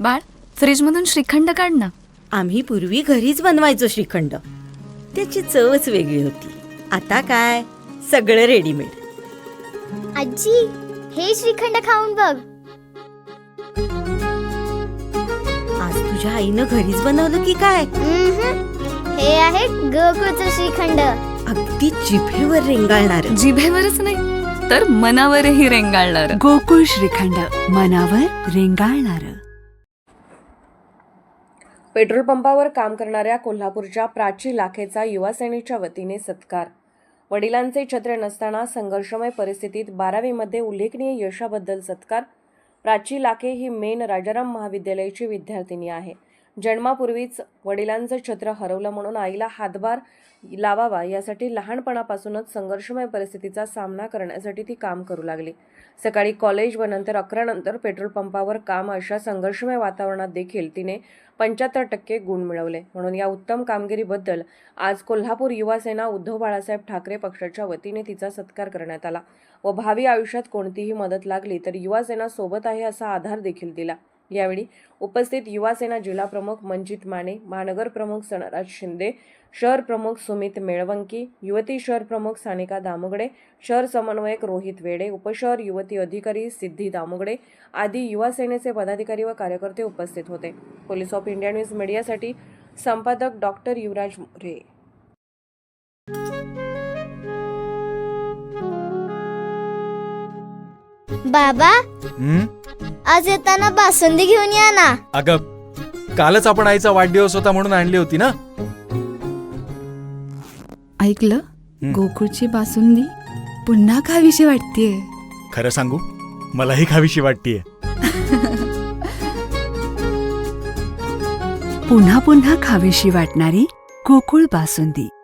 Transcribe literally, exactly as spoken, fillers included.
बाळ, फ्रीजमधून श्रीखंड काढ ना. आम्ही पूर्वी घरीच बनवायचो श्रीखंड. त्याची चवच वेगळी होती. आता काय सगळं रेडीमेड. आजी, हे श्रीखंड खाऊन बघ. आज तुझ्या आईनं घरीच बनवलं की काय? उम्हम. हे आहे गोकुळचं श्रीखंड. अगदी जिभेवर रेंगाळणार. जिभेवरच नाही तर मनावरही रेंगाळणार. गोकुळ श्रीखंड, मनावर रेंगाळणार. पेट्रोल पंपावर काम करणाऱ्या कोल्हापूरच्या प्राची लाखेचा युवासेनेच्या वतीने सत्कार. वडिलांचे छत्र नसताना संघर्षमय परिस्थितीत बारावीमध्ये उल्लेखनीय यशाबद्दल सत्कार. प्राची लाखे ही मेन राजाराम महाविद्यालयाची विद्यार्थिनी आहे. जन्मापूर्वीच वडिलांचं छत्र हरवलं म्हणून आईला हातभार लावावा यासाठी लहानपणापासूनच संघर्षमय परिस्थितीचा सामना करण्यासाठी ती काम करू लागली. सकाळी कॉलेज व नंतर अकरा नंतर पेट्रोल पंपावर काम अशा संघर्षमय वातावरणात देखील तिने पंच्याहत्तर टक्के गुण मिळवले. म्हणून या उत्तम कामगिरीबद्दल आज कोल्हापूर युवासेना उद्धव बाळासाहेब ठाकरे पक्षाच्या वतीने तिचा सत्कार करण्यात आला व भावी आयुष्यात कोणतीही मदत लागली तर युवासेना सोबत आहे असा आधार देखील दिला. यावेळी उपस्थित युवासेना जिल्हा प्रमुख मंजित माने, महानगर प्रमुख सनराज शिंदे, शहर प्रमुख सुमित मेळवंकी, युवती शहर प्रमुख सानिका दामुगडे, शहर समन्वयक रोहित वेडे, उपशहर युवती अधिकारी सिद्धी दामुगडे आदी युवासेनेचे पदाधिकारी व कार्यकर्ते उपस्थित होते. पोलीस ऑफ इंडिया न्यूज मीडियासाठी संपादक डॉक्टर युवराज मोरे. बाबा, हं? आज येताना बासुंदी घेऊन या ना. अगं, कालच आपण आईचा वाढदिवस होता म्हणून आणली होती ना. ऐकलं, हं. गोकुळची बासुंदी पुन्हा खावीशी वाटतेय. खरं सांगू, मलाही खावीशी वाटतेय. पुन्हा पुन्हा खावीशी वाटणारी गोकुळ बासुंदी.